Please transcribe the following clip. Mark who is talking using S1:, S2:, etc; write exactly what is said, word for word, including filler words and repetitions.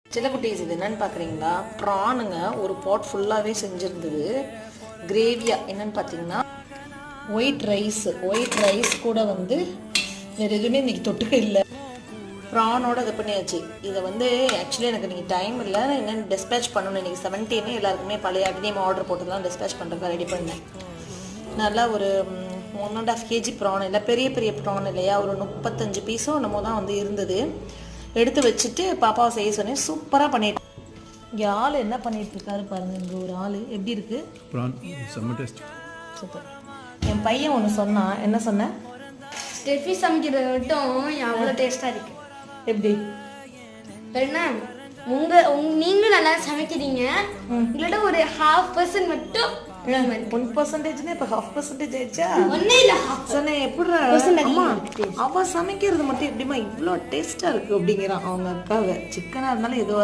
S1: சில குட்டீஸ் இது என்னன்னு பார்க்குறீங்களா, ப்ரானுங்க ஒரு பாட் ஃபுல்லாகவே செஞ்சுருந்தது கிரேவியாக. என்னென்னு பார்த்தீங்கன்னா ஒயிட் ரைஸ் ஒயிட் ரைஸ் கூட வந்து வேறு எதுவுமே இன்றைக்கி தொட்டுக்க இல்லை, ப்ரானோட இது பண்ணியாச்சு. இதை வந்து ஆக்சுவலி எனக்கு இன்றைக்கி டைம் இல்லை, என்னென்னு டிஸ்பேச் பண்ணணும். இன்றைக்கி செவன்டீனே எல்லாருக்குமே பழைய அக்னியம் ஆர்டர் போட்டு தான் டிஸ்பேச் பண்ணுறதுக்கு ரெடி பண்ணேன். நல்லா ஒரு one and half KG prawn இல்லை, பெரிய பெரிய ப்ரான் இல்லையா, ஒரு முப்பத்தஞ்சு பீஸும் என்னமோ தான் வந்து இருந்தது. எடுத்து வச்சுட்டு பாப்பாவை செய்ய சொன்னேன். சூப்பராக பண்ணிட்டு இங்கே ஆள் என்ன பண்ணிட்டு இருக்காரு பாருங்க. இங்கே ஒரு ஆள் எப்படி இருக்கு, சூப்பர். என் பையன் ஒன்று சொன்னான். என்ன சொன்னேன்?
S2: ஸ்டெஃபி சமைக்கிறது மட்டும் அவ்வளோ டேஸ்ட்டாக இருக்கு.
S1: எப்படி
S2: என்ன உங்க நீங்களும் நல்லா சமைக்கிறீங்க, உங்களோட ஒரு ஹாஃப் பர்சன்ட் மட்டும்
S1: ஒன் பர்சன்டேஜ்னா இப்போ ஹாஃப் பர்சன்டேஜ் ஆயிடுச்சா?
S2: ஒன்னே இல்லை
S1: சொன்னேன். எப்படி அவ சமைக்கிறது மட்டும் எப்படிமா இவ்வளோ டேஸ்டா இருக்கு அப்படிங்கிறான் அவங்க அக்காவை. சிக்கனா இருந்தாலும் ஏதோ